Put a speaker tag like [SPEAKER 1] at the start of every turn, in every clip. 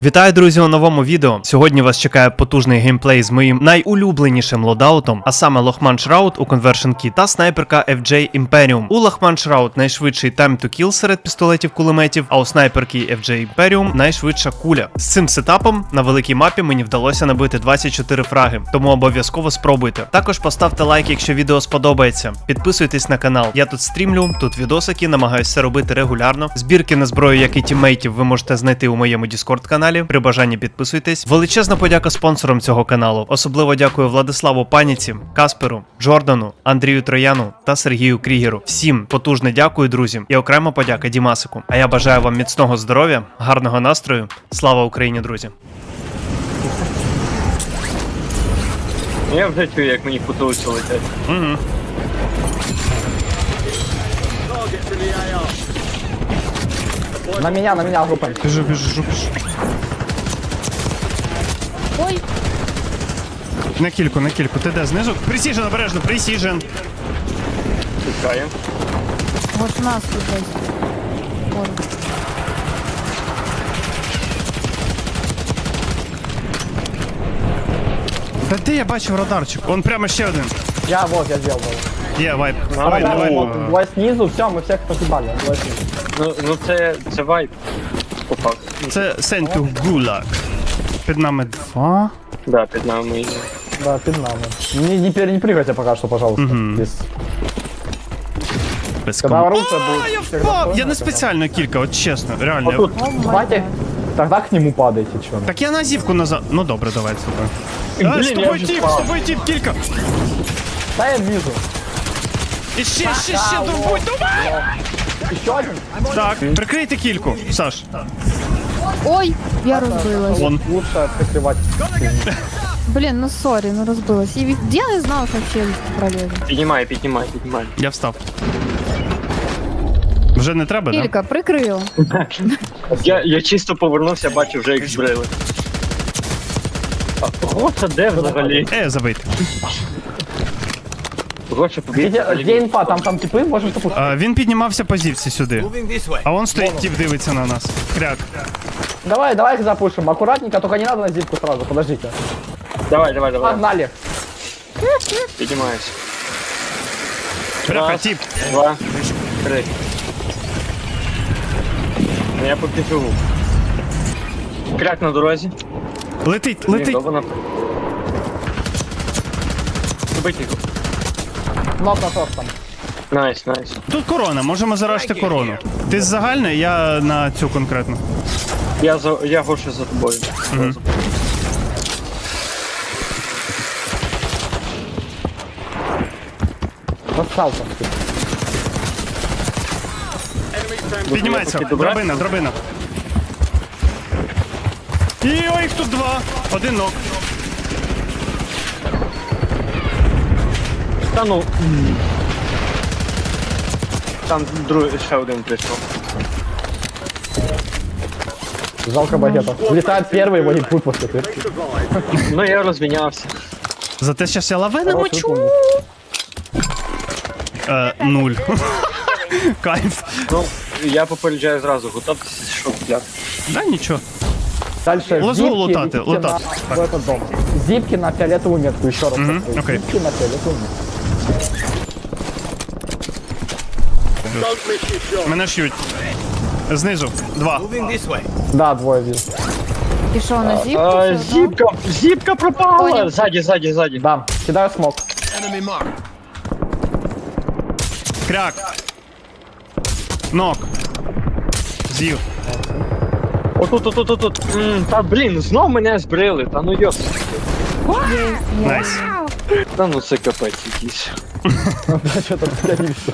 [SPEAKER 1] Вітаю, друзі, у новому відео. Сьогодні вас чекає потужний геймплей з моїм найулюбленішим лодаутом, а саме Лохман Шраут у Conversion Key та снайперка FJ Imperium. У Лохман Шраут найшвидший time to kill серед пістолетів-кулеметів, а у снайперки FJ Imperium найшвидша куля. З цим сетапом на великій мапі мені вдалося набити 24 фраги, тому обов'язково спробуйте. Також поставте лайк, якщо відео сподобається. Підписуйтесь на канал. Я тут стрімлю, тут відосики, намагаюся це робити регулярно. Збірки на зброю, як і тіммейтів, ви можете знайти у моєму Discord каналі. При бажанні підписуйтесь. Величезна подяка спонсорам цього каналу. Особливо дякую Владиславу Паніці, Касперу, Джордану, Андрію Трояну та Сергію Крігеру. Всім потужне дякую, друзі, і окрема подяка Дімасику. А я бажаю вам міцного здоров'я, гарного настрою. Слава Україні, друзі!
[SPEAKER 2] Я вже чую, як мені потулиці летять.
[SPEAKER 1] Угу.
[SPEAKER 3] На меня группа.
[SPEAKER 1] Біжу.
[SPEAKER 4] Ой,
[SPEAKER 1] На кільку. Ти де знизу? Пресіжен, обережно, пресіжен.
[SPEAKER 2] Чекаю.
[SPEAKER 4] вот у нас тут есть. Вон.
[SPEAKER 1] Та де я бачив радарчик? Он прямо ще один.
[SPEAKER 3] Я сделал.
[SPEAKER 1] Є, вайп.
[SPEAKER 2] Давай, давай.
[SPEAKER 3] Двое снизу, все, мы всех погибали. Двое снизу.
[SPEAKER 2] Ну це вайп. По факту.
[SPEAKER 1] Це Сенту Гулак. Під нами два.
[SPEAKER 2] Да, під нами.
[SPEAKER 3] Да, перед нами. Не прыгайте пока что, пожалуйста. Без...
[SPEAKER 1] Без
[SPEAKER 3] Когда
[SPEAKER 1] ком...
[SPEAKER 3] оружие будет... всегда
[SPEAKER 1] Я не
[SPEAKER 3] сложно,
[SPEAKER 1] спеціально кілька, от чесно, реально.
[SPEAKER 2] А тут
[SPEAKER 4] О май
[SPEAKER 3] Давайте,
[SPEAKER 4] гад.
[SPEAKER 3] тогда к нему падайте, чё.
[SPEAKER 1] Так я на зівку назад. Ну добре, давай з тобою.
[SPEAKER 2] Блін,
[SPEAKER 1] З
[SPEAKER 2] я
[SPEAKER 1] тобою
[SPEAKER 2] вже
[SPEAKER 1] тіп,
[SPEAKER 2] впав.
[SPEAKER 1] з тобою тіп, кілька.
[SPEAKER 3] Да, я вижу.
[SPEAKER 1] І ще, давай.
[SPEAKER 3] Еще один?
[SPEAKER 1] Так, прикрийте кільку, Саш.
[SPEAKER 4] Ой, я розбилась.
[SPEAKER 1] Вон.
[SPEAKER 3] Лучше прикрывать.
[SPEAKER 4] Блін, ну сорі, ну розбилась. І я не знала, що челюсть пролізе.
[SPEAKER 2] піднімай.
[SPEAKER 1] Я встав. Вже не треба, так?
[SPEAKER 4] Кілька, прикрила.
[SPEAKER 2] Я чисто повернувся, бачу вже їх збрили. А Гоша де взагалі?
[SPEAKER 1] Забийте.
[SPEAKER 2] Гоша побіг
[SPEAKER 3] Где
[SPEAKER 2] взагалі.
[SPEAKER 3] инфа? Там типы, можешь запустить.
[SPEAKER 1] Він піднімався по зівці сюди. А он стоїть, тіп дивиться на нас. Кряк.
[SPEAKER 3] Давай их запушим. Аккуратненько, только не надо на зипку сразу, подождите.
[SPEAKER 2] Давай.
[SPEAKER 3] Погнали.
[SPEAKER 2] Піднімаюся.
[SPEAKER 1] Бляха,
[SPEAKER 2] Раз,
[SPEAKER 1] тіп.
[SPEAKER 2] 2, 3. Ну, я поки живу. Кряк на дорозі.
[SPEAKER 1] Летить.
[SPEAKER 2] Убить його.
[SPEAKER 3] Ног на торс там.
[SPEAKER 2] Найс.
[SPEAKER 1] Тут корона, можемо заражити корону. Ти з загальної, я на цю конкретно.
[SPEAKER 2] Я Гоша за тобою.
[SPEAKER 3] Зассал там.
[SPEAKER 1] Піднімається, драбина. І ой, їх тут два. Один ног.
[SPEAKER 2] Та ну. Там другий ще один прийшов.
[SPEAKER 3] Жалко багета. Влетает первый, его не будет после ты.
[SPEAKER 2] Ну я розмінявся.
[SPEAKER 1] Зате щас я лаве намочу. 0. Кайф.
[SPEAKER 2] Ну, я попереджаю зразу, готовтеся, що взяти.
[SPEAKER 1] Да, нічого.
[SPEAKER 3] Дальше
[SPEAKER 1] Лазу
[SPEAKER 3] зипки
[SPEAKER 1] лутати,
[SPEAKER 3] идите
[SPEAKER 1] лутати.
[SPEAKER 3] на- в этот дом. Зипки на фиолетовую метку, еще раз. повторю.
[SPEAKER 1] окей.
[SPEAKER 3] Зипки на фиолетовую метку.
[SPEAKER 1] Мене ш'ють. Знизу. Два.
[SPEAKER 3] Да, двое вижу.
[SPEAKER 4] І що, на зіпку?
[SPEAKER 2] Зіпка пропала!
[SPEAKER 4] Понял.
[SPEAKER 2] Ззаді.
[SPEAKER 3] Да, кидаю смог.
[SPEAKER 1] Кряк. Нок. З'їв.
[SPEAKER 2] Отут. Та блін, знов мене збрили, та ну йос.
[SPEAKER 1] Найс.
[SPEAKER 2] Та ну це капець якийсь.
[SPEAKER 3] Что-то я не вижу.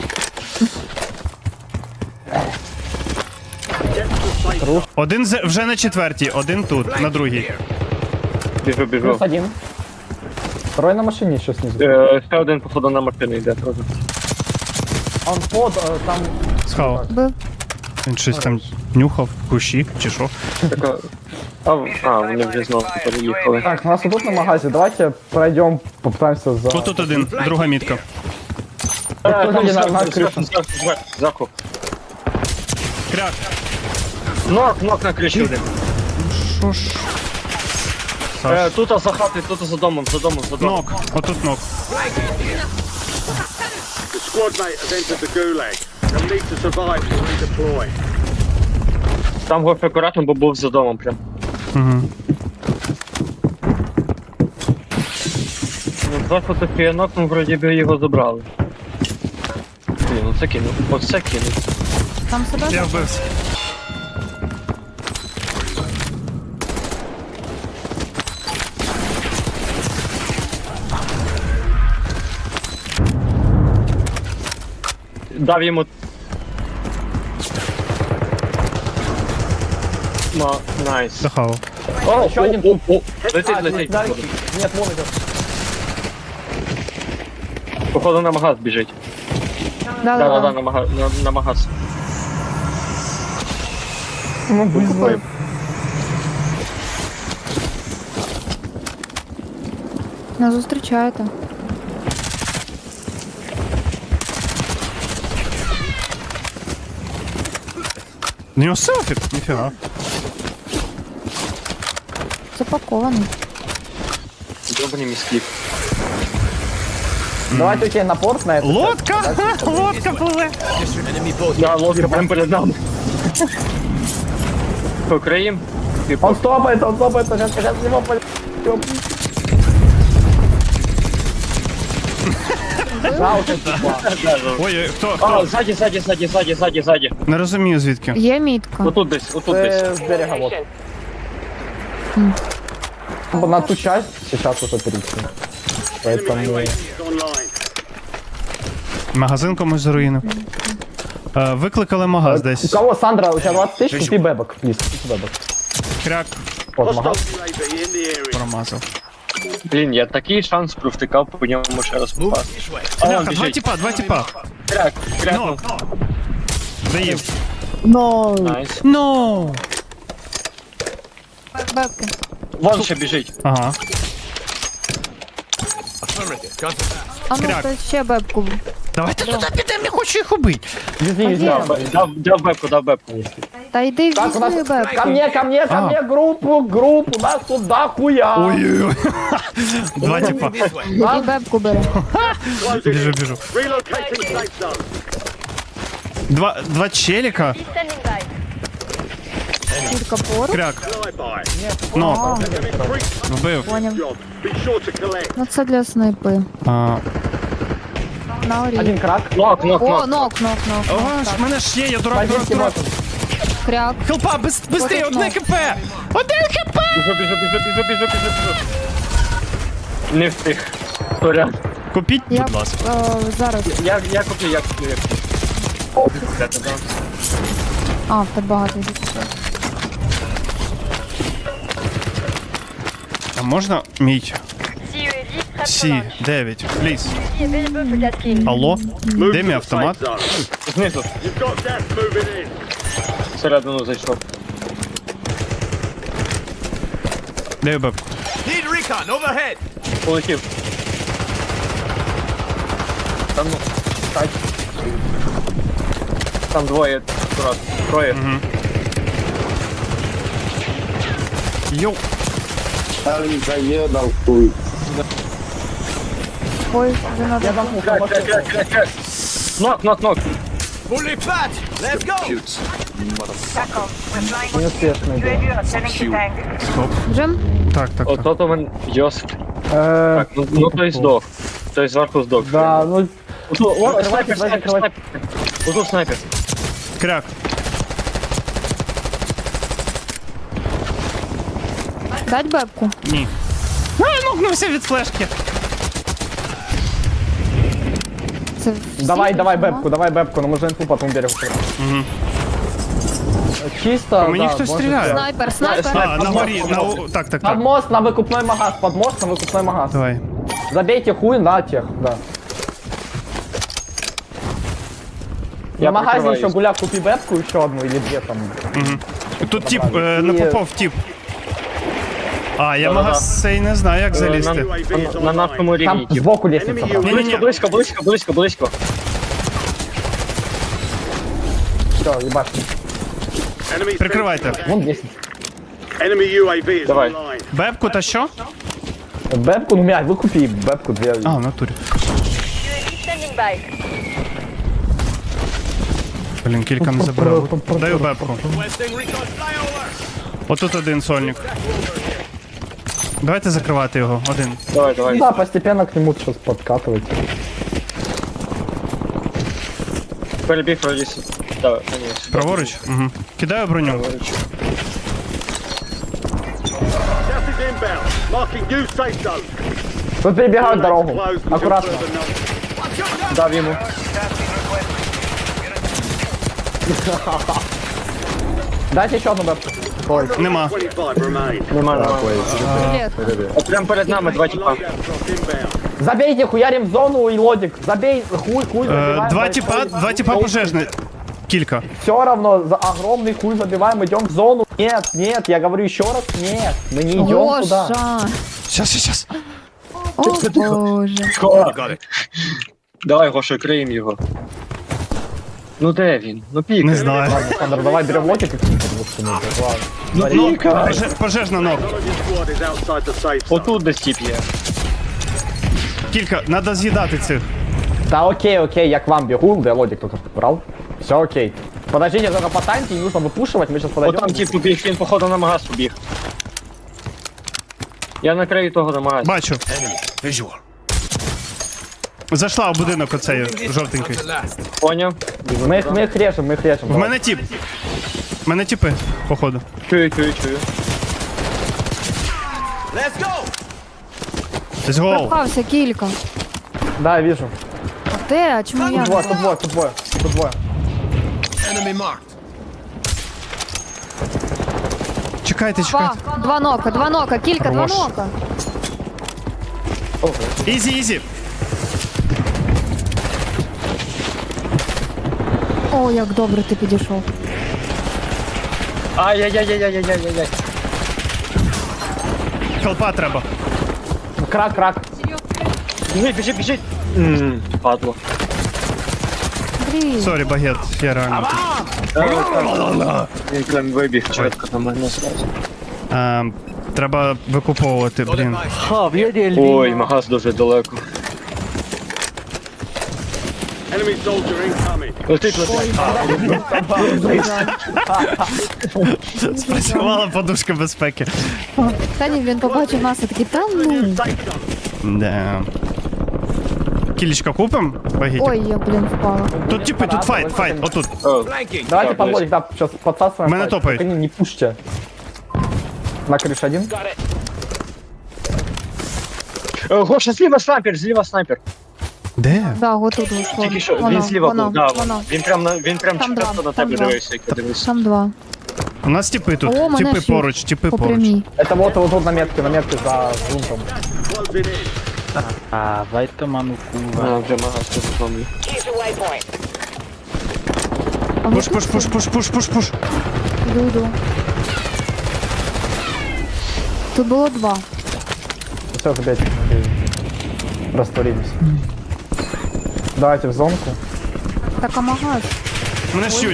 [SPEAKER 1] Один вже на четвертій, один тут, на другій.
[SPEAKER 2] Біжу.
[SPEAKER 3] Плюс один. Второй на машине еще снизу.
[SPEAKER 2] Ще один, походу, на машину йде теж.
[SPEAKER 3] Он под, там...
[SPEAKER 1] Схавав.
[SPEAKER 4] Бив.
[SPEAKER 1] Він щось там нюхав, кущі, чи що.
[SPEAKER 2] Така... вони вже знову переїхали.
[SPEAKER 3] Так, у нас тут на магазе. Давайте пройдем, попытаемся за...
[SPEAKER 1] Отут один, друга мітка.
[SPEAKER 3] Там на крышу.
[SPEAKER 2] Заку.
[SPEAKER 1] Кряк.
[SPEAKER 2] Нок на криші один.
[SPEAKER 1] Що ж?
[SPEAKER 2] Тут за хати, тут за домом.
[SPEAKER 1] Нок, отут нок.
[SPEAKER 5] The squad mate has entered the gulag. They'll need to survive to redeploy.
[SPEAKER 2] Там гоф акуратно, бо був за домом прям.
[SPEAKER 1] Угу.
[SPEAKER 2] Ну, два фотофіянок, ну вроді би його забрали. Блін, оце кинув. Оце кинув.
[SPEAKER 4] Там себе
[SPEAKER 1] Я вбився.
[SPEAKER 2] Дав йому... Найс.
[SPEAKER 1] Захавав.
[SPEAKER 2] О,
[SPEAKER 3] Еще один.
[SPEAKER 2] Летить.
[SPEAKER 3] Нет, вон идет.
[SPEAKER 2] Походу на магаз біжить. Да, на магаз.
[SPEAKER 3] Ну, блин.
[SPEAKER 4] Нас зустрічаєте.
[SPEAKER 1] У нього селфі? Ніфіга.
[SPEAKER 4] Запакований.
[SPEAKER 2] Добрий міський.
[SPEAKER 3] Давайте окей, на порт на это.
[SPEAKER 1] Лодка! Лодка пливе!
[SPEAKER 2] Да, лодка прям перед нами. Покриєм.
[SPEAKER 3] Он стопает, сейчас его пойдем. Жалко, типа.
[SPEAKER 1] Ой, хто?
[SPEAKER 2] А, ззаді.
[SPEAKER 1] Не розумію звідки.
[SPEAKER 4] Є мітка.
[SPEAKER 2] Отут десь.
[SPEAKER 3] С берега вот. На ту часть сейчас уже перейти.
[SPEAKER 5] Enemy
[SPEAKER 3] Поэтому...
[SPEAKER 5] UAV is online.
[SPEAKER 1] Магазин комусь заруїнив. Викликали магаз
[SPEAKER 3] У
[SPEAKER 1] десь.
[SPEAKER 3] кого, Сандра, у тебя 20 тысяч? Купи бэбок, плиз, купи бэбок.
[SPEAKER 1] Кряк
[SPEAKER 3] Вот,
[SPEAKER 5] Hostile
[SPEAKER 3] магаз.
[SPEAKER 5] UAV in the area.
[SPEAKER 1] промазав.
[SPEAKER 2] Блін, я такий шанс провтикав, по ньому ще раз попасти. А, он
[SPEAKER 1] Бляха,
[SPEAKER 2] біжить.
[SPEAKER 1] два тіпа.
[SPEAKER 2] Крякнув.
[SPEAKER 1] Заїв.
[SPEAKER 2] Найс.
[SPEAKER 1] Ну.
[SPEAKER 4] Бебки.
[SPEAKER 2] Вон ще біжить.
[SPEAKER 1] Ага.
[SPEAKER 4] А ну,
[SPEAKER 1] Кряк.
[SPEAKER 4] хтось ще бебку.
[SPEAKER 1] Давайте туди підемо, я хочу їх убити.
[SPEAKER 3] Вези, вези.
[SPEAKER 2] Дав бепку.
[SPEAKER 4] Та йди
[SPEAKER 3] Так, у нас...
[SPEAKER 4] візьми бебку.
[SPEAKER 3] Ко мне, группу, нас туда хуя.
[SPEAKER 1] Ой-ой-ой. Два тіпа.
[SPEAKER 4] І бебку бери.
[SPEAKER 1] Біжу.
[SPEAKER 5] Relocating safe zone.
[SPEAKER 1] Два челіка.
[SPEAKER 4] Тільки поруч.
[SPEAKER 1] Кряк.
[SPEAKER 5] Flyby.
[SPEAKER 1] Нок.
[SPEAKER 5] Increase
[SPEAKER 1] Вбив.
[SPEAKER 4] Поняв.
[SPEAKER 5] job. Be sure to collect.
[SPEAKER 4] Ну це для снайпи. На орі.
[SPEAKER 3] Один крак.
[SPEAKER 2] Нок.
[SPEAKER 4] О, нок.
[SPEAKER 1] О, ж мене ж є, я дурак.
[SPEAKER 3] Бандитский мотор.
[SPEAKER 4] Кряк.
[SPEAKER 1] Хелпа, быстрее, одне хп! Один хп!
[SPEAKER 2] Біжу. Не встиг. Сорян.
[SPEAKER 1] Купіть,
[SPEAKER 4] Я
[SPEAKER 1] будь ласка.
[SPEAKER 4] зараз.
[SPEAKER 2] Я куплю.
[SPEAKER 4] А, так багато йде.
[SPEAKER 1] А можна мій Сі-9, пліз? Алло?
[SPEAKER 5] Move
[SPEAKER 1] Де
[SPEAKER 5] to
[SPEAKER 1] мій
[SPEAKER 5] the
[SPEAKER 1] автомат?
[SPEAKER 5] safe zone.
[SPEAKER 2] Знизу.
[SPEAKER 5] You've got gas moving in.
[SPEAKER 2] Всередину зайшов.
[SPEAKER 1] Де бебку?
[SPEAKER 2] Полетів. Там, ну, так. Там двоє, акурат. Троє.
[SPEAKER 1] Йоу.
[SPEAKER 4] Ой, вже надо.
[SPEAKER 3] Я замкнул,
[SPEAKER 2] Кряк. Нок.
[SPEAKER 3] неуспешный был.
[SPEAKER 4] Вже?
[SPEAKER 1] Так.
[SPEAKER 2] Ото мен Йосип. Так, ну той здох. Той зверху здох.
[SPEAKER 3] Да, ну...
[SPEAKER 2] О,
[SPEAKER 3] Снайпер,
[SPEAKER 2] снайпер. Отут снайпер.
[SPEAKER 1] Кряк.
[SPEAKER 4] Дать бебку?
[SPEAKER 1] Ні. Нокнувся від флешки.
[SPEAKER 4] Це всі
[SPEAKER 3] Давай
[SPEAKER 4] автомат?
[SPEAKER 3] бэбку, но мы же инфу потом берем. Чисто,
[SPEAKER 1] По мені
[SPEAKER 3] да,
[SPEAKER 1] хтось
[SPEAKER 3] можно
[SPEAKER 1] стріляє.
[SPEAKER 3] сделать.
[SPEAKER 4] Снайпер.
[SPEAKER 1] А, на горі, так.
[SPEAKER 3] Под мост на выкупной магаз, магаз.
[SPEAKER 1] Давай.
[SPEAKER 3] Забейте хуй на тех, да.
[SPEAKER 2] Я
[SPEAKER 3] На магазе
[SPEAKER 2] прикрываюсь.
[SPEAKER 3] еще гуляк, купи бэбку еще одну или две там.
[SPEAKER 1] Тут тип, не попав тип. А, я
[SPEAKER 2] Да-да-да.
[SPEAKER 1] магаз цей не знаю, як залізти.
[SPEAKER 5] UAV is
[SPEAKER 2] На
[SPEAKER 5] online.
[SPEAKER 2] нашому рівні.
[SPEAKER 3] Там сбоку лестница.
[SPEAKER 5] Enemy
[SPEAKER 3] правда.
[SPEAKER 1] Ні-ні-ні.
[SPEAKER 2] Близько.
[SPEAKER 3] Все, ебать.
[SPEAKER 5] Enemy
[SPEAKER 1] Прикривайте.
[SPEAKER 3] Вон лестница.
[SPEAKER 5] Enemy UAV is
[SPEAKER 2] Давай.
[SPEAKER 5] online.
[SPEAKER 1] Бебку та що?
[SPEAKER 3] Бэбку, ну, мять, выкупи бэбку две.
[SPEAKER 1] А, в натурі. Блін, кілька не забрав. Даю бебку. Отут один сольник. Давайте закривати його. Один.
[SPEAKER 2] Давай,
[SPEAKER 3] Ну
[SPEAKER 2] давай.
[SPEAKER 3] да, постепенно к нему сейчас подкатывать.
[SPEAKER 2] Перебіг вроді. Давай, ні.
[SPEAKER 1] Праворуч? Угу. Кидаю броню.
[SPEAKER 2] Праворуч.
[SPEAKER 5] Gas is inbound. Marking new safe zone.
[SPEAKER 3] Тут перебегают дорогу.
[SPEAKER 5] Closed until
[SPEAKER 3] Аккуратно.
[SPEAKER 5] further notice.
[SPEAKER 2] Дав йому.
[SPEAKER 3] Дайте еще одну бэбку. Ой,
[SPEAKER 1] Нема.
[SPEAKER 5] 25 remain.
[SPEAKER 2] Нема.
[SPEAKER 4] Привет.
[SPEAKER 2] От прям перед нами два тіпа.
[SPEAKER 5] Loadout drop inbound.
[SPEAKER 3] забейте, хуярим в зону и лодик. Забей, хуй забиваем.
[SPEAKER 1] Два тіпа пожежні. Кілька.
[SPEAKER 3] Все равно, за огромный хуй забиваем, идем в зону. Нет, нет, я говорю еще раз, нет. Мы не идем туда.
[SPEAKER 4] Гоша.
[SPEAKER 1] Щас.
[SPEAKER 4] О, боже.
[SPEAKER 2] Давай, Гоша, криємо його. Ну де він? Ну пік.
[SPEAKER 1] Не знаю.
[SPEAKER 3] Александр, давай берем лодик и
[SPEAKER 2] Ну піка.
[SPEAKER 1] Пожежна ног.
[SPEAKER 5] None of your squad is outside the safe zone.
[SPEAKER 2] Отут десь тіп є.
[SPEAKER 1] Кілька. Надо з'їдати цих.
[SPEAKER 3] Да окей, я к вам бегу, да лодик только брал. Все окей. Подождите, только по танке, не нужно выпушивать, мы сейчас
[SPEAKER 2] От
[SPEAKER 3] подойдем.
[SPEAKER 2] там тіп побіг, він походу на магаз побіг. Я накрию того на магаз.
[SPEAKER 1] Бачу. Зайшла в будинок оцей жовтенький.
[SPEAKER 2] Поняв?
[SPEAKER 3] Мы их режем, мы их режем.
[SPEAKER 1] В мене тіп. В мене тіпи, походу.
[SPEAKER 2] Чую.
[SPEAKER 1] Десь гол.
[SPEAKER 4] Пропався кілька.
[SPEAKER 3] Да, я вижу.
[SPEAKER 4] А де? А чому я?
[SPEAKER 3] Тут двое.
[SPEAKER 1] Чекайте.
[SPEAKER 4] Два нока, кілька, два
[SPEAKER 1] Хорош.
[SPEAKER 4] нока.
[SPEAKER 1] Ізі.
[SPEAKER 4] О, як добре ти підійшов.
[SPEAKER 2] Ай-яй-яй-яй-яй-яй-яй.
[SPEAKER 1] Хелпа треба.
[SPEAKER 3] Крак.
[SPEAKER 2] Біжить. Падло.
[SPEAKER 4] Блін.
[SPEAKER 1] Сорі, багет, я реально.
[SPEAKER 2] Він прям вибіг чітко на мене зразу.
[SPEAKER 1] Треба викуповувати, блін.
[SPEAKER 2] Ой, магаз дуже далеко.
[SPEAKER 5] Enemy soldier incoming.
[SPEAKER 2] Летить.
[SPEAKER 1] Спрацювала подушка безпеки.
[SPEAKER 4] Та ні, він побачив нас і такий, та ну.
[SPEAKER 1] Да. Кілечка купим? Багетик.
[SPEAKER 4] Ой, я, блін, впала.
[SPEAKER 1] Тут типи, тут файт, отут.
[SPEAKER 3] Давайте под лодик, да, сейчас подсасываем.
[SPEAKER 1] Мене
[SPEAKER 3] файт.
[SPEAKER 1] топають.
[SPEAKER 3] Только не пушьте. На крыше один.
[SPEAKER 2] Гоша, зліва снайпер.
[SPEAKER 1] Де?
[SPEAKER 4] Да, отут
[SPEAKER 2] Тільки що,
[SPEAKER 4] воно.
[SPEAKER 2] він зліва був, да.
[SPEAKER 4] Воно.
[SPEAKER 2] Він прям
[SPEAKER 4] Там
[SPEAKER 2] чітко
[SPEAKER 4] два,
[SPEAKER 2] на
[SPEAKER 4] там
[SPEAKER 2] тебе
[SPEAKER 4] два.
[SPEAKER 2] дивився, як я дивився.
[SPEAKER 4] Там два.
[SPEAKER 1] У нас типи тут.
[SPEAKER 4] О, мене
[SPEAKER 1] Типи
[SPEAKER 4] шість.
[SPEAKER 1] поруч, типи
[SPEAKER 4] По
[SPEAKER 1] поруч.
[SPEAKER 4] прямій.
[SPEAKER 3] Это вот тут на метке за грунтом.
[SPEAKER 5] Closing in.
[SPEAKER 2] А, вже магаз тут зомбі.
[SPEAKER 4] А
[SPEAKER 1] Пуш.
[SPEAKER 4] Іду. Тут було два.
[SPEAKER 3] Все, забейте. Растворились. Давайте в зонку.
[SPEAKER 4] Так, а магаз?
[SPEAKER 1] Мене щуть.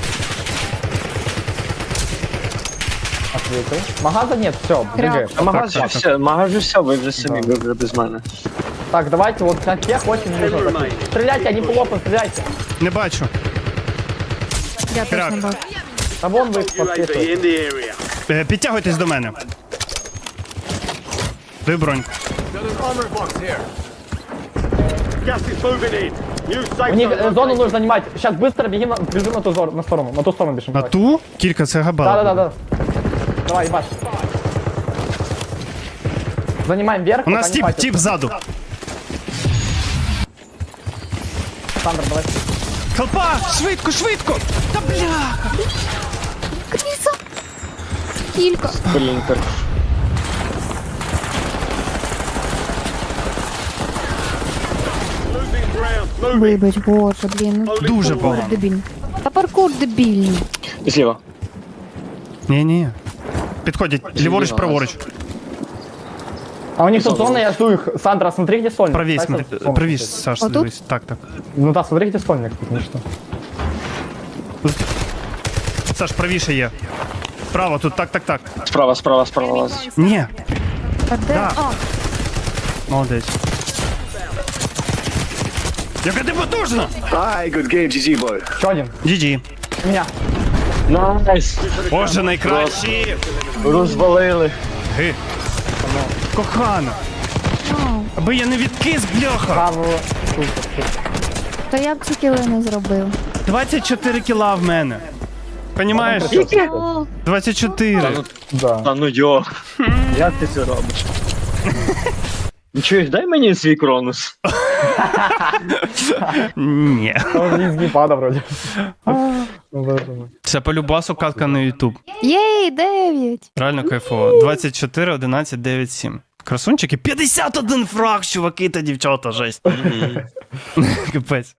[SPEAKER 3] Ответил. Магаза нет, все, двигаем.
[SPEAKER 2] А магаз же все, ви вже самі, ви вже без мене.
[SPEAKER 3] Так, давайте вот на тех очень нужно. Стреляйте, они плохо, стреляйте.
[SPEAKER 1] Не бачу.
[SPEAKER 4] Я
[SPEAKER 1] Крак.
[SPEAKER 4] точно бачу.
[SPEAKER 3] А вон вы их
[SPEAKER 5] UAV
[SPEAKER 3] подсвечиваете.
[SPEAKER 5] in the area.
[SPEAKER 1] Підтягуйтесь до мене. Дай бронь.
[SPEAKER 5] Gas is moving in. New safe
[SPEAKER 3] У них
[SPEAKER 5] zone.
[SPEAKER 3] зону нужно занимать. Сейчас быстро бежим на ту на сторону. На ту сторону бежим.
[SPEAKER 1] На
[SPEAKER 3] давай.
[SPEAKER 1] ту? Кілька, це габела.
[SPEAKER 3] Да. Давай, ебашь. Занимаем верх.
[SPEAKER 1] У нас
[SPEAKER 3] пока не
[SPEAKER 1] тип
[SPEAKER 3] хватит.
[SPEAKER 1] ззаду.
[SPEAKER 3] Сандер, давай.
[SPEAKER 1] Хелпа! Швидко! Та бля!
[SPEAKER 4] Кріса! Кілька.
[SPEAKER 2] Спринтер.
[SPEAKER 5] Losing ground. Moving.
[SPEAKER 4] Вибач, боже, блін. Ну,
[SPEAKER 1] Дуже
[SPEAKER 4] паркур
[SPEAKER 1] погано.
[SPEAKER 4] дебільний. Та паркур дебільний.
[SPEAKER 2] Зліва.
[SPEAKER 1] Ні. Підходять. Ліворуч, праворуч.
[SPEAKER 3] А у них тут зона, я жду их. Сандра, смотри, где сольник.
[SPEAKER 1] Правіше,
[SPEAKER 3] Стой,
[SPEAKER 1] смотри.
[SPEAKER 3] стой.
[SPEAKER 1] Правіше, Саш,
[SPEAKER 4] Отут?
[SPEAKER 1] дивись. Так.
[SPEAKER 3] Ну да, смотри, где сольник. Ну что.
[SPEAKER 1] Саш, правіше є. Право, тут так.
[SPEAKER 2] Справа лазить.
[SPEAKER 1] Ні,
[SPEAKER 4] А де?
[SPEAKER 1] Да.
[SPEAKER 4] А,
[SPEAKER 1] молодець. Яка ти потужна!
[SPEAKER 5] Aye, good game, GG boy.
[SPEAKER 3] Еще один.
[SPEAKER 1] GG.
[SPEAKER 3] У меня.
[SPEAKER 2] Найс!
[SPEAKER 1] Боже, найкращі!
[SPEAKER 2] Розвалили.
[SPEAKER 1] Ги. Кохана.
[SPEAKER 4] ну,
[SPEAKER 1] Аби я не відкис, бляха!
[SPEAKER 3] Право.
[SPEAKER 4] то я б ці кіли не зробив.
[SPEAKER 1] 24 кіла в мене. Понімаєш?
[SPEAKER 4] О,
[SPEAKER 1] 24.
[SPEAKER 3] Да.
[SPEAKER 2] Та ну йо. Як ти це робиш? Ну чуєш, дай мені свій кронус.
[SPEAKER 1] Ні.
[SPEAKER 3] Он из геймпада вроде. Ну, боже мой.
[SPEAKER 1] Це по любасу катка на YouTube.
[SPEAKER 4] Єй, 9!
[SPEAKER 1] Реально кайфово. 24, 11, 9, 7. Красунчики. 51 фраг, чуваки та дівчата, жесть. Капець.